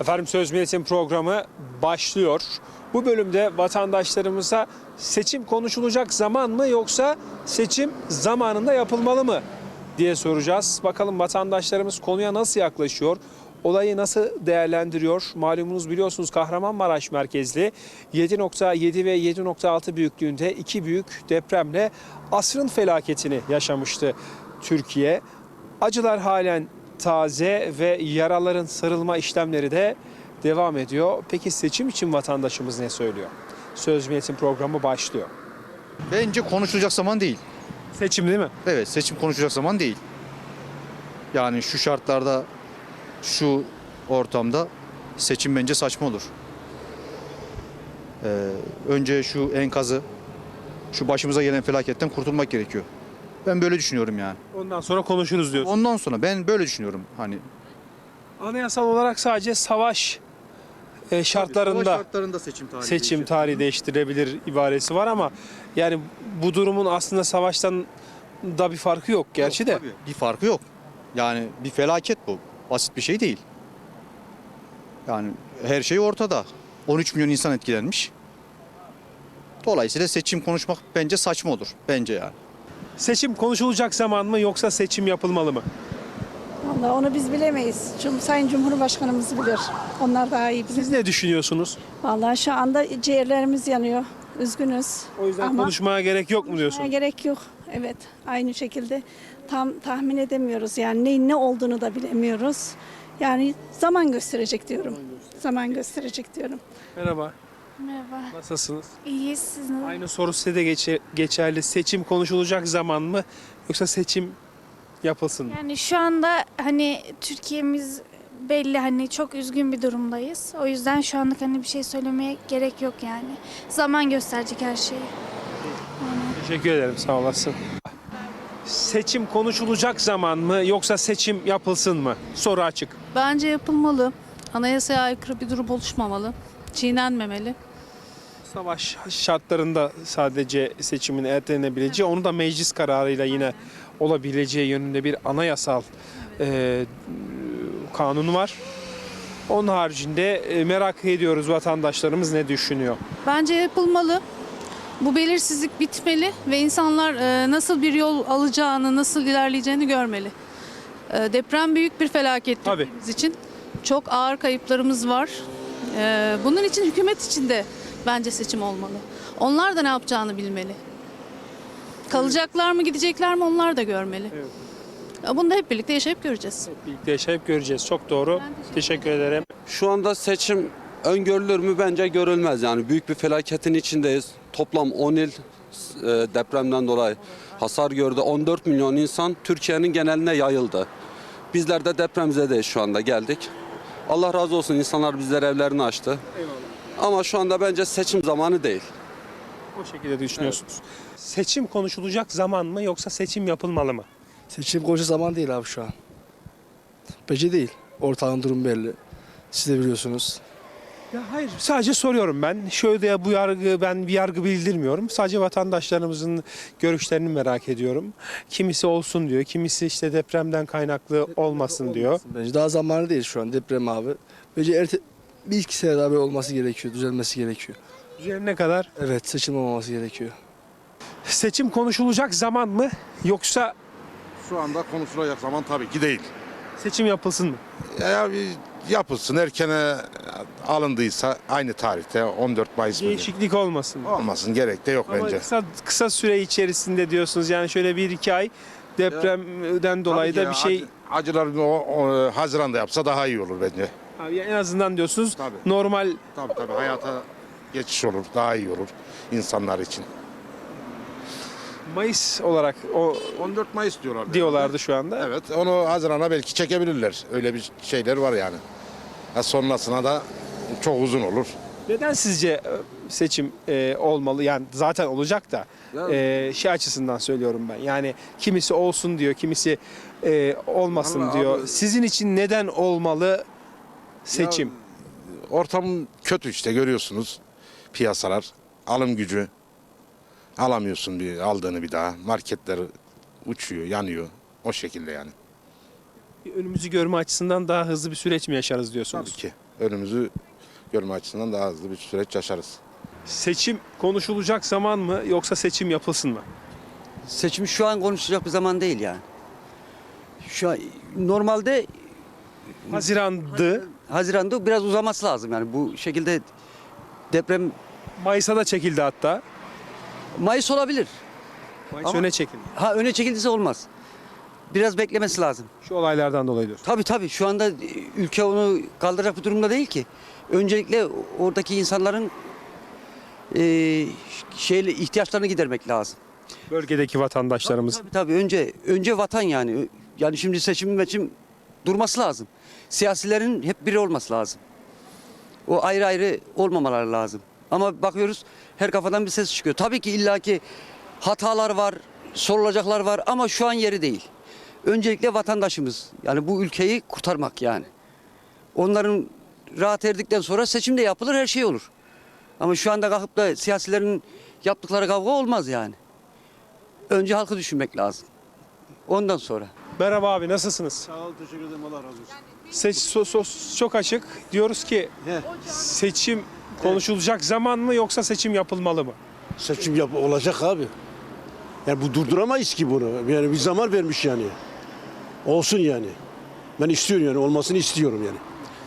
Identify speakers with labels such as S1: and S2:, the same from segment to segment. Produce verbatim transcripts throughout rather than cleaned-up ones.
S1: Efendim Söz Milletin programı başlıyor. Bu bölümde vatandaşlarımıza seçim konuşulacak zaman mı yoksa seçim zamanında yapılmalı mı diye soracağız. Bakalım vatandaşlarımız konuya nasıl yaklaşıyor? Olayı nasıl değerlendiriyor? Malumunuz biliyorsunuz Kahramanmaraş merkezli yedi nokta yedi ve yedi nokta altı büyüklüğünde iki büyük depremle asrın felaketini yaşamıştı Türkiye. Acılar halen taze ve yaraların sarılma işlemleri de devam ediyor. Peki seçim için vatandaşımız ne söylüyor? Söz Milletin programı başlıyor.
S2: Bence konuşulacak zaman değil.
S1: Seçim değil mi?
S2: Evet, seçim konuşulacak zaman değil. Yani şu şartlarda, şu ortamda seçim bence saçma olur. Ee, önce şu enkazı, şu başımıza gelen felaketten kurtulmak gerekiyor. Ben böyle düşünüyorum yani.
S1: Ondan sonra konuşuruz diyorsun.
S2: Ondan sonra ben böyle düşünüyorum. Hani
S1: Anayasal olarak sadece savaş e, şartlarında
S2: savaş şartlarında seçim tarihi
S1: seçim
S2: değişir.
S1: tarihi değiştirebilir ibaresi var ama yani bu durumun aslında savaştan da bir farkı yok gerçi
S2: Yok,
S1: de.
S2: tabii. Bir farkı yok. Yani bir felaket bu. Basit bir şey değil. Yani her şey ortada. on üç milyon insan etkilenmiş. Dolayısıyla seçim konuşmak bence saçma olur. Bence yani.
S1: Seçim konuşulacak zaman mı yoksa seçim yapılmalı mı?
S3: Vallahi onu biz bilemeyiz. Cum Sayın Cumhurbaşkanımız bilir. Onlar daha iyi bilir.
S1: Siz ne düşünüyorsunuz?
S3: Vallahi şu anda ciğerlerimiz yanıyor. Üzgünüz.
S1: O yüzden
S3: Ama
S1: konuşmaya gerek yok mu
S3: konuşmaya
S1: diyorsunuz?
S3: gerek yok. Evet. Aynı şekilde tam tahmin edemiyoruz. Yani neyin ne olduğunu da bilemiyoruz. Yani zaman gösterecek diyorum. Zaman gösterecek diyorum.
S1: Merhaba.
S4: Merhaba.
S1: Nasılsınız?
S4: İyiyiz, siz nasılsınız?
S1: Aynı soru size de geçe- geçerli. Seçim konuşulacak zaman mı yoksa seçim yapılsın mı?
S4: Yani şu anda hani Türkiye'miz belli, hani çok üzgün bir durumdayız. O yüzden şu anlık hani bir şey söylemeye gerek yok yani. Zaman gösterecek her şeyi.
S1: Teşekkür ederim, sağ olasın. Seçim konuşulacak zaman mı yoksa seçim yapılsın mı? Soru açık.
S5: Bence yapılmalı. Anayasaya aykırı bir durum oluşmamalı. Çiğnenmemeli.
S1: Savaş şartlarında sadece seçimin ertelenebileceği, onu da meclis kararıyla yine olabileceği yönünde bir anayasal e, kanun var. Onun haricinde e, merak ediyoruz vatandaşlarımız ne düşünüyor.
S5: Bence yapılmalı. Bu belirsizlik bitmeli ve insanlar e, nasıl bir yol alacağını, nasıl ilerleyeceğini görmeli. E, deprem büyük bir felaket
S1: Tabii.
S5: Türkiye'miz için. Çok ağır kayıplarımız var. E, bunun için hükümet için de bence seçim olmalı. Onlar da ne yapacağını bilmeli. Kalacaklar mı, gidecekler mi, onlar da görmeli.
S1: Evet.
S5: E, Bunu da hep birlikte yaşayıp göreceğiz.
S1: Birlikte yaşayıp göreceğiz. Çok doğru. Teşekkür ederim.
S6: Şu anda seçim öngörülür mü? Bence görülmez. Yani büyük bir felaketin içindeyiz. Toplam on il e, depremden dolayı hasar gördü. on dört milyon insan Türkiye'nin geneline yayıldı. Bizler de depremzedeyiz şu anda, geldik. Allah razı olsun, insanlar bizlere evlerini açtı.
S1: Eyvallah.
S6: Ama şu anda bence seçim zamanı değil.
S1: O şekilde düşünüyorsunuz. Seçim konuşulacak zaman mı yoksa seçim yapılmalı mı?
S7: Seçim koca zaman değil abi şu an. Bence değil. Ortağın durum belli. Siz de biliyorsunuz.
S1: Ya hayır, sadece soruyorum ben. Şöyle ya bu yargı, ben bir yargı bildirmiyorum. Sadece vatandaşlarımızın görüşlerini merak ediyorum. Kimisi olsun diyor, kimisi işte depremden kaynaklı olmasın diyor.
S7: Bence daha zamanı değil şu an deprem abi. Bence erte, bir iki sene daha böyle olması gerekiyor. Düzelmesi gerekiyor.
S1: Üzerine kadar
S7: Evet, seçim olmaması gerekiyor.
S1: seçim konuşulacak zaman mı yoksa
S8: Şu anda konuşulacak zaman tabii ki değil.
S1: seçim yapılsın mı?
S8: Ya bir yapılsın, erkene alındıysa aynı tarihte on dört Mayıs mı?
S1: Değişiklik olmasın mı?
S8: Olmasın, gerek de yok
S1: Ama
S8: bence.
S1: kısa, kısa süre içerisinde diyorsunuz, yani şöyle bir iki ay depremden dolayı
S8: Tabii
S1: da
S8: ki
S1: bir şey
S8: acı- acılar o, o, Haziran'da yapsa daha iyi olur bence.
S1: abi en azından diyorsunuz
S8: Tabii.
S1: normal.
S8: Tabii tabii, hayata geçiş olur, daha iyi olur insanlar için.
S1: Mayıs olarak o
S8: on dört Mayıs diyorlar.
S1: diyorlardı şu anda.
S8: Evet, onu Haziran'a belki çekebilirler. Öyle bir şeyler var yani. Ha, sonrasına da çok uzun olur.
S1: Neden sizce e, seçim e, olmalı? Yani zaten olacak da e, şey açısından söylüyorum ben. Yani kimisi olsun diyor, kimisi e, olmasın
S8: Vallahi
S1: diyor.
S8: abi-
S1: Sizin için neden olmalı seçim?
S8: Ortam kötü işte, görüyorsunuz piyasalar, alım gücü alamıyorsun bir aldığını bir daha. Marketler uçuyor, yanıyor o şekilde yani.
S1: Önümüzü görme açısından daha hızlı bir süreç mi yaşarız diyorsunuz?
S8: Tabii ki. önümüzü görme açısından daha hızlı bir süreç yaşarız.
S1: Seçim konuşulacak zaman mı yoksa seçim yapılsın mı?
S9: Seçim şu an konuşacak bir zaman değil yani. Şu an normalde
S1: Haziran'dı.
S9: Haziran'da biraz uzaması lazım yani bu şekilde deprem
S1: Mayıs'a da çekildi hatta.
S9: Mayıs olabilir.
S1: Mayıs
S9: Ama-
S1: öne çekildi.
S9: Ha öne çekildiyse olmaz. Biraz beklemesi lazım.
S1: Şu olaylardan dolayı diyorsun.
S9: Tabii tabii şu anda e, ülke onu kaldıracak bir durumda değil ki. Öncelikle oradaki insanların e, şeyle ihtiyaçlarını gidermek lazım.
S1: Bölgedeki vatandaşlarımız.
S9: Tabii tabii önce önce vatan yani. Yani şimdi seçim meçim durması lazım. Siyasilerin hep biri olması lazım. O ayrı ayrı olmamaları lazım. Ama bakıyoruz her kafadan bir ses çıkıyor. Tabii ki illaki hatalar var, sorulacaklar var ama şu an yeri değil. Öncelikle vatandaşımız yani bu ülkeyi kurtarmak yani. Onların rahat erdikten sonra seçim de yapılır, her şey olur. Ama şu anda kalkıp da siyasilerin yaptıkları kavga olmaz yani. Önce halkı düşünmek lazım. Ondan sonra.
S1: Merhaba abi, nasılsınız?
S10: Sağ ol, teşekkür ederim. Allah razı olsun.
S1: Seç, so- so- çok açık. Diyoruz ki seçim konuşulacak zaman mı yoksa seçim yapılmalı mı?
S10: Seçim yap olacak abi. Yani bu durduramayız ki bunu. Yani bir zaman vermiş yani. Olsun yani. Ben istiyorum yani. Olmasını istiyorum yani.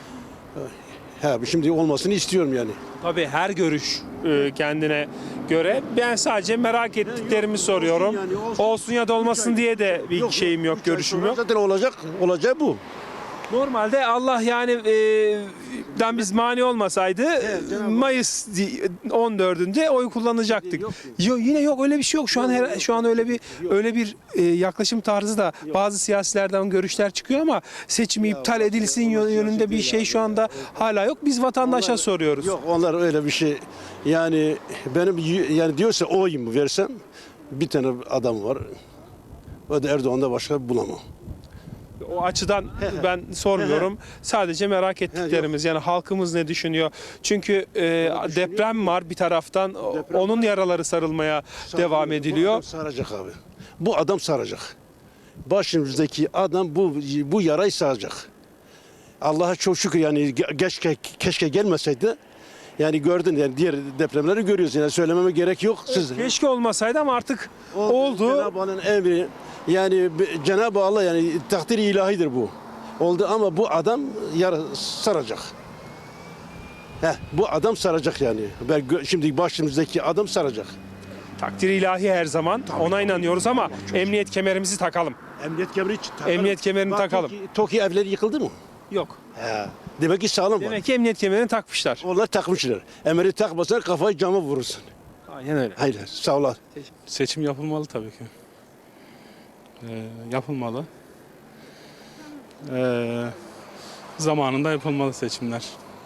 S10: Ha, şimdi olmasını istiyorum yani.
S1: Tabii her görüş e, kendine göre. Ben sadece merak ettiklerimi soruyorum.
S10: yani, olsun.
S1: Olsun ya da olmasın diye de bir şeyim yok,
S10: üç ay
S1: görüşüm
S10: sonra
S1: yok.
S10: Zaten olacak. Olacağı bu.
S1: Normalde Allah yani e, den biz mani olmasaydı Mayıs di- on dördünde oy kullanacaktık.
S10: Yok.
S1: Yo, yine yok, öyle bir şey yok. Şu an her, şu an öyle bir öyle bir e, yaklaşım tarzı da bazı siyasilerden görüşler çıkıyor ama seçimi iptal edilsin yö- yönünde bir şey şu anda hala yok. Biz vatandaşa soruyoruz.
S10: Yok onlar öyle bir şey. Yani benim y- yani diyorsa oyumu versem bir tane adam var. O da Erdoğan'da başka bulamam.
S1: O açıdan ben sormuyorum. Sadece merak ettiklerimiz yani halkımız ne düşünüyor? Çünkü e, deprem var bir taraftan.
S10: Deprem
S1: Onun yaraları sarılmaya devam
S10: Bu
S1: ediliyor.
S10: adam saracak abi. Bu adam saracak. Başımızdaki adam bu bu yarayı saracak. Allah'a çok şükür yani ge- keşke keşke gelmeseydi. Yani gördün yani diğer depremleri görüyorsun. Yani söylememe gerek yok. Siz
S1: Keşke olmasaydı ama artık oldu.
S10: Cenab-ı Allah'ın emri. Yani be- Cenab-ı Allah yani takdir ilahidir bu. Oldu ama bu adam yara saracak. Heh, bu adam saracak yani. Ben gö- şimdi başımızdaki adam saracak.
S1: Takdir ilahi her zaman. Ona inanıyoruz ama emniyet kemerimizi takalım.
S10: Emniyet kemerini takalım.
S1: Emniyet kemerini
S10: Bak,
S1: takalım.
S10: Toki, Toki evleri yıkıldı mı?
S1: Yok.
S10: He. Demek ki sağlam var.
S1: Demek ki emniyet kemerini takmışlar.
S10: Onlar takmışlar. Emri takmasan kafayı cama vurursun.
S1: Aynen öyle.
S10: Hayır sağ ol.
S11: Seçim yapılmalı tabii ki. Ee, yapılmalı. Ee, zamanında yapılmalı seçimler.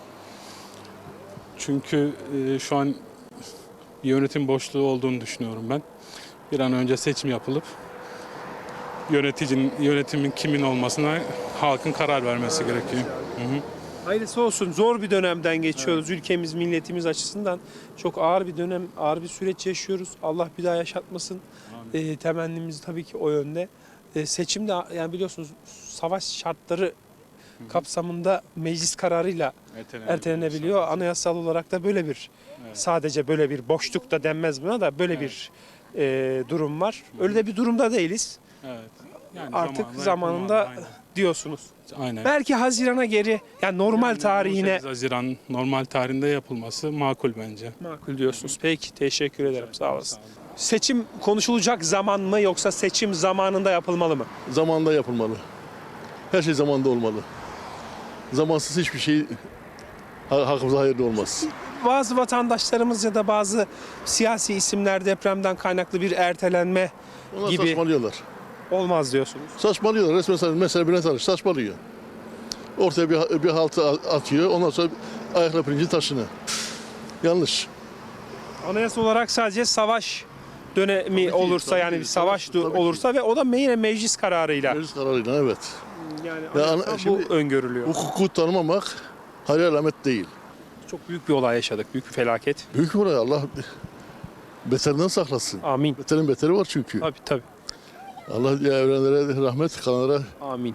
S11: Çünkü e, şu an bir yönetim boşluğu olduğunu düşünüyorum ben. Bir an önce seçim yapılıp yöneticinin, yönetimin kimin olmasına halkın karar vermesi gerekiyor. Hı hı.
S1: Hayırlısı olsun. Zor bir dönemden geçiyoruz. Ülkemiz, milletimiz açısından çok ağır bir dönem, ağır bir süreç yaşıyoruz. Allah bir daha yaşatmasın. E, temennimiz tabii ki o yönde. E, seçimde yani biliyorsunuz savaş şartları kapsamında meclis kararıyla ertelenebiliyor. Anayasal olarak da böyle bir sadece böyle bir boşluk da denmez buna da böyle bir e, durum var. Öyle de bir durumda değiliz.
S11: Evet. Yani
S1: Artık
S11: zamanında
S1: zamanında
S11: yapılmalı,
S1: diyorsunuz.
S11: aynen. Aynen.
S1: Belki Haziran'a geri yani normal
S11: Yani
S1: tarihine
S11: on sekiz Haziran normal tarihinde yapılması makul bence.
S1: makul diyorsunuz. Peki teşekkür ederim. Sağ olasın. Seçim konuşulacak zaman mı yoksa seçim zamanında yapılmalı mı?
S12: Zamanında yapılmalı. Her şey zamanında olmalı. Zamansız hiçbir şey ha- hakkımıza hayırlı olmaz.
S1: Bazı vatandaşlarımız ya da bazı siyasi isimler depremden kaynaklı bir ertelenme
S12: Onlar
S1: gibi
S12: saçmalıyorlar.
S1: olmaz diyorsunuz.
S12: Saçmalıyorlar. Resmen sa- mesela Bülent Arınç saçmalıyor. Ortaya bir, bir haltı a- atıyor. Ondan sonra ayakla pirinci taşını. Yanlış.
S1: Anayasa olarak sadece savaş dönemi
S12: ki,
S1: olursa
S12: tabii
S1: yani
S12: ki,
S1: bir savaş
S12: tabii ki,
S1: du-
S12: tabii ki.
S1: olursa ve o da yine meclis kararıyla
S12: Meclis kararıyla evet.
S1: yani
S12: Ya
S1: anayasa
S12: ana-
S1: bu
S12: şimdi-
S1: öngörülüyor.
S12: Hukuku tanımamak hayır alamet değil.
S1: Çok büyük bir olay yaşadık. Büyük bir felaket.
S12: Büyük bir olay. Allah beterinden saklasın.
S1: Amin.
S12: Beterin beteri var çünkü.
S1: Tabii tabii.
S12: Allah ya evrenlere rahmet, kalanlara
S1: Amin.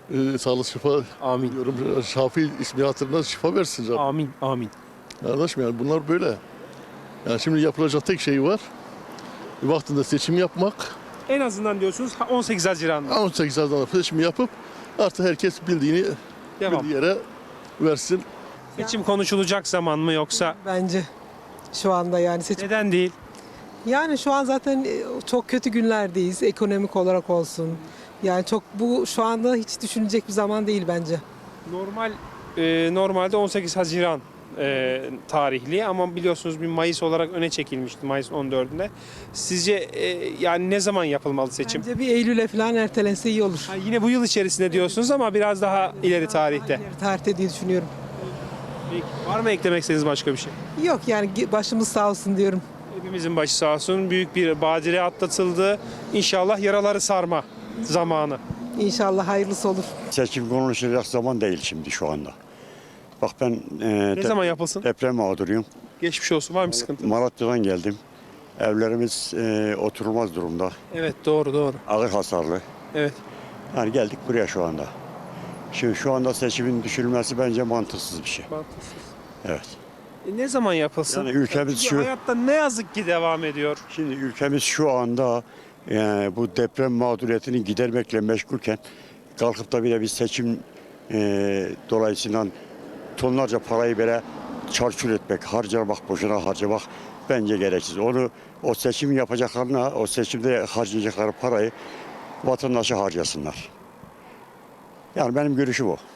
S12: e, sağlık şifa
S1: Amin.
S12: diyorum. Şafi ismi hatırına şifa versin Rabbim.
S1: Amin. Amin.
S12: Kardeşim yani bunlar böyle. Yani şimdi yapılacak tek şey var. Vaktinde seçim yapmak.
S1: En azından diyorsunuz on sekiz Haziran'da.
S12: on sekiz Haziran'da seçim yapıp artık herkes bildiğini
S1: Devam.
S12: bildiği yere versin.
S1: Seçim konuşulacak zaman mı yoksa
S13: Bence şu anda yani seçim.
S1: neden değil?
S13: Yani şu an zaten e, çok kötü günlerdeyiz ekonomik olarak olsun. Yani çok bu şu anda hiç düşünecek bir zaman değil bence.
S1: Normal e, normalde on sekiz Haziran e, tarihli ama biliyorsunuz bir Mayıs olarak öne çekilmişti Mayıs on dördünde. Sizce e, yani ne zaman yapılmalı seçim?
S13: Bence bir Eylül'e falan ertelense iyi olur.
S1: Ha, yine bu yıl içerisinde diyorsunuz ama biraz daha ileri tarihte.
S13: Tarihte diye düşünüyorum.
S1: Peki, var mı eklemek istediğiniz başka bir şey?
S13: Yok yani başımız sağ olsun diyorum.
S1: Hepimizin başı sağ olsun. Büyük bir badire atlatıldı. İnşallah yaraları sarma zamanı.
S13: İnşallah hayırlısı olur.
S14: Seçim konuşulacak zaman değil şimdi şu anda. Bak ben e,
S1: Ne
S14: de-
S1: zaman yapılsın?
S14: deprem mağduruyum.
S1: Geçmiş olsun. Var mı sıkıntı?
S14: Malatya'dan geldim. Evlerimiz e, oturulmaz durumda.
S1: Evet doğru doğru.
S14: Ağır hasarlı.
S1: Evet.
S14: Yani geldik buraya şu anda. Şimdi şu anda seçimin düşürülmesi bence mantıksız bir şey.
S1: Mantıksız.
S14: Evet.
S1: E, ne zaman yapılsın?
S14: Yani ülkemiz
S1: Çünkü
S14: şu-
S1: hayatta ne yazık ki devam ediyor.
S14: Şimdi ülkemiz şu anda e, bu deprem mağduriyetini gidermekle meşgulken kalkıp da bile bir seçim e, dolayısıyla tonlarca parayı böyle çarçur etmek, harcamak, boşuna harcamak bence gereksiz. Onu o seçim yapacaklarına, o seçimde harcayacakları parayı vatandaşa harcasınlar. Yani benim görüşüm o.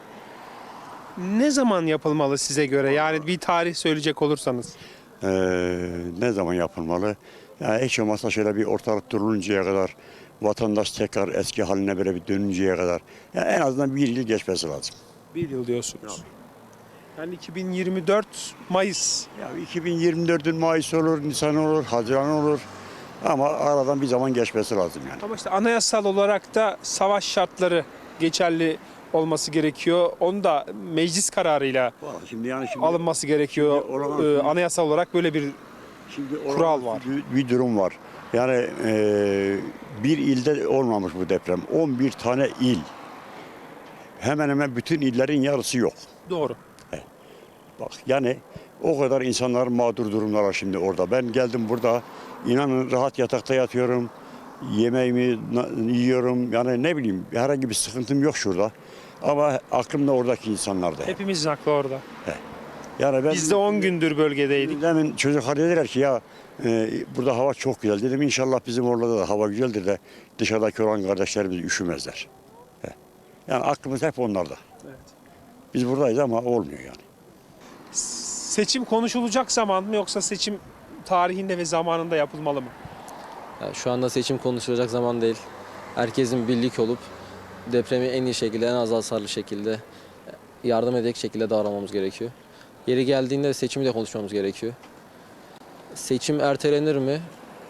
S1: Ne zaman yapılmalı size göre? Yani bir tarih söyleyecek olursanız.
S14: Ee, ne zaman yapılmalı? Yani hiç olmazsa şöyle bir ortalık duruluncaya kadar, vatandaş tekrar eski haline böyle bir dönünceye kadar. Yani en azından bir yıl geçmesi lazım.
S1: Bir yıl diyorsunuz. Yani iki bin yirmi dört Mayıs.
S14: Ya iki bin yirmi dört'ün Mayıs olur, Nisan olur, Haziran olur. Ama aradan bir zaman geçmesi lazım yani.
S1: Ama işte anayasal olarak da savaş şartları geçerli olması gerekiyor. Onu da meclis kararıyla
S14: Şimdi yani şimdi,
S1: alınması gerekiyor.
S14: şimdi oradan-
S1: Ee, anayasal olarak böyle bir
S14: şimdi
S1: kural var.
S14: Bir, bir durum var. Yani e, bir ilde olmamış bu deprem. on bir tane il. Hemen hemen bütün illerin yarısı yok.
S1: Doğru.
S14: Bak yani o kadar insanlar mağdur durumlar şimdi orada. Ben geldim burada, inanın rahat yatakta yatıyorum. Yemeğimi na- yiyorum. Yani ne bileyim herhangi bir sıkıntım yok şurada. Ama aklımda oradaki insanlarda.
S1: Hepimizin aklı orada.
S14: Yani ben
S1: Biz de on gündür bölgedeydik.
S14: Demin çocuklar dediler ki ya e, burada hava çok güzel. Dedim inşallah bizim orada da hava güzeldir de dışarıdaki olan kardeşlerimiz üşümezler. He. Yani aklımız hep onlarda.
S1: Evet.
S14: Biz buradayız ama olmuyor yani.
S1: Seçim konuşulacak zaman mı yoksa seçim tarihinde ve zamanında yapılmalı mı?
S15: Ya şu anda seçim konuşulacak zaman değil. Herkesin birlik olup depremi en iyi şekilde, en az hasarlı şekilde yardım edecek şekilde davranmamız gerekiyor. Yeri geldiğinde seçimi de konuşmamız gerekiyor. Seçim ertelenir mi?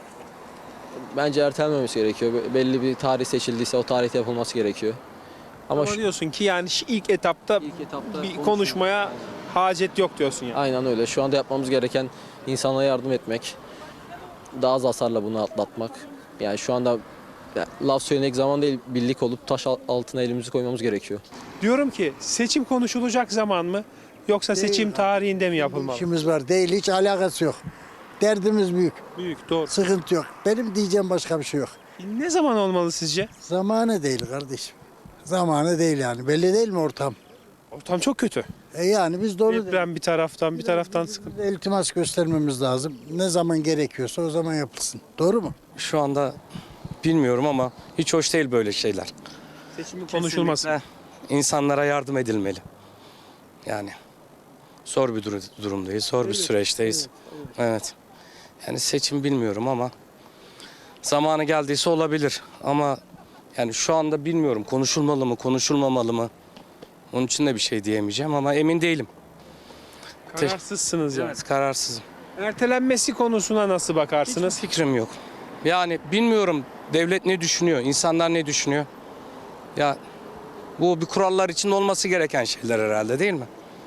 S15: Bence ertelenmemesi gerekiyor. Belli bir tarih seçildiyse o tarihte yapılması gerekiyor.
S1: Ama,
S15: Ama şu-
S1: diyorsun ki yani şu ilk etapta,
S15: İlk etapta
S1: bir
S15: konuşmamız-
S1: konuşmaya hacet yok diyorsun yani.
S15: Aynen öyle. Şu anda yapmamız gereken insanlara yardım etmek. Daha az hasarla bunu atlatmak. Yani şu anda ya, laf söylemek zaman değil, birlik olup taş al- altına elimizi koymamız gerekiyor.
S1: Diyorum ki seçim konuşulacak zaman mı yoksa seçim tarihinde mi yapılmalı?
S16: İşimiz var değil, hiç alakası yok. Derdimiz büyük,
S1: Büyük, doğru.
S16: sıkıntı yok. Benim diyeceğim başka bir şey yok.
S1: Ne zaman olmalı sizce?
S16: Zamanı değil kardeşim. Zamanı değil yani. Belli değil mi ortam?
S1: Ortam çok kötü.
S16: E yani biz de onu
S1: Deprem bir taraftan, bir taraftan sıkıntı.
S16: iltimas göstermemiz lazım. Ne zaman gerekiyorsa o zaman yapılsın. Doğru mu?
S17: Şu anda bilmiyorum ama hiç hoş değil böyle şeyler.
S1: Seçimin konuşulması.
S17: Kesinlikle insanlara yardım edilmeli. Yani zor bir dur- durumdayız, zor bir süreçteyiz. Evet. Yani seçim bilmiyorum ama zamanı geldiyse olabilir. Ama yani şu anda bilmiyorum konuşulmalı mı, konuşulmamalı mı? Onun için de bir şey diyemeyeceğim ama emin değilim.
S1: Kararsızsınız yani.
S17: Evet, kararsızım.
S1: Ertelenmesi konusuna nasıl bakarsınız?
S17: Fikrim yok. Yani bilmiyorum devlet ne düşünüyor, insanlar ne düşünüyor? Ya bu bir kurallar için olması gereken şeyler herhalde değil mi?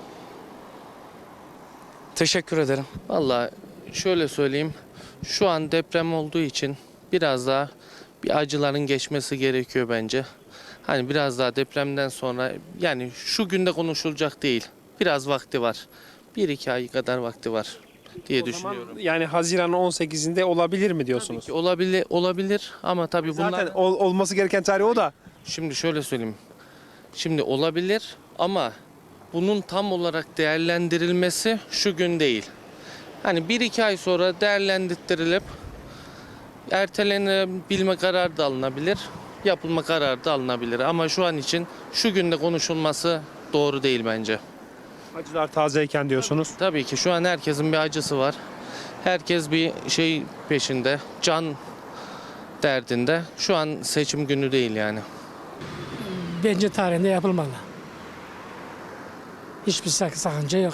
S17: Teşekkür ederim.
S18: Vallahi şöyle söyleyeyim. Şu an deprem olduğu için biraz daha bir acıların geçmesi gerekiyor bence. Hani biraz daha depremden sonra, yani şu günde konuşulacak değil. Biraz vakti var. Bir iki ay kadar vakti var diye
S1: O zaman
S18: düşünüyorum.
S1: yani Haziran on sekizinde olabilir mi diyorsunuz?
S18: Tabii ki olabilir, olabilir ama tabii bunlar...
S1: Zaten ol- olması gereken tarih o da.
S18: Şimdi şöyle söyleyeyim. Şimdi olabilir ama bunun tam olarak değerlendirilmesi şu gün değil. Hani bir iki ay sonra değerlendirilip ertelenebilme kararı da alınabilir, yapılma kararı da alınabilir. Ama şu an için şu günde konuşulması doğru değil bence.
S1: Acılar tazeyken diyorsunuz.
S18: Tabii ki şu an herkesin bir acısı var. Herkes bir şey peşinde, can derdinde. Şu an seçim günü değil yani.
S19: Bence tarihinde yapılmalı. Hiçbir sak- sakınca yok.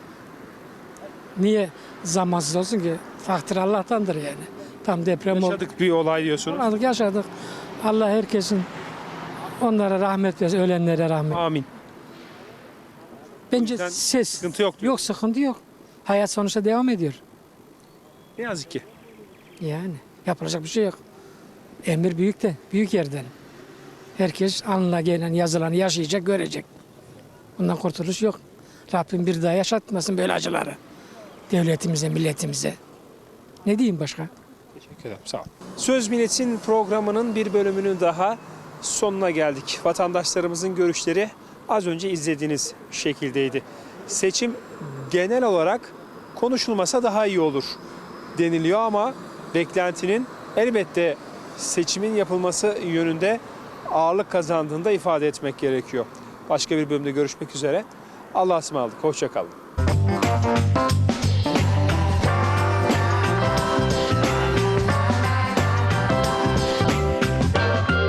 S19: Niye zamansız olsun ki? Takdir Allah'tandır yani. Tam deprem oldu.
S1: Yaşadık bir olay diyorsunuz.
S19: Yaşadık, yaşadık. Allah herkesin onlara rahmet versin, ölenlere rahmet.
S1: Amin.
S19: Bence ses.
S1: Sıkıntı yok.
S19: Yok, sıkıntı yok. Hayat sonuçta devam ediyor.
S1: Ne yazık ki.
S19: Yani yapılacak bir şey yok. Emir büyük de, büyük yerden. Herkes alnına gelen yazılanı yaşayacak, görecek. Bundan kurtuluş yok. Rabbim bir daha yaşatmasın böyle acıları. Devletimize, milletimize. Ne diyeyim başka?
S1: Teşekkür ederim. Sağ olun. Söz Milletin programının bir bölümünün daha sonuna geldik. Vatandaşlarımızın görüşleri az önce izlediğiniz şekildeydi. Seçim genel olarak konuşulmasa daha iyi olur deniliyor ama beklentinin elbette seçimin yapılması yönünde ağırlık kazandığını da ifade etmek gerekiyor. Başka bir bölümde görüşmek üzere. Allah'a ısmarladık. Hoşça kalın.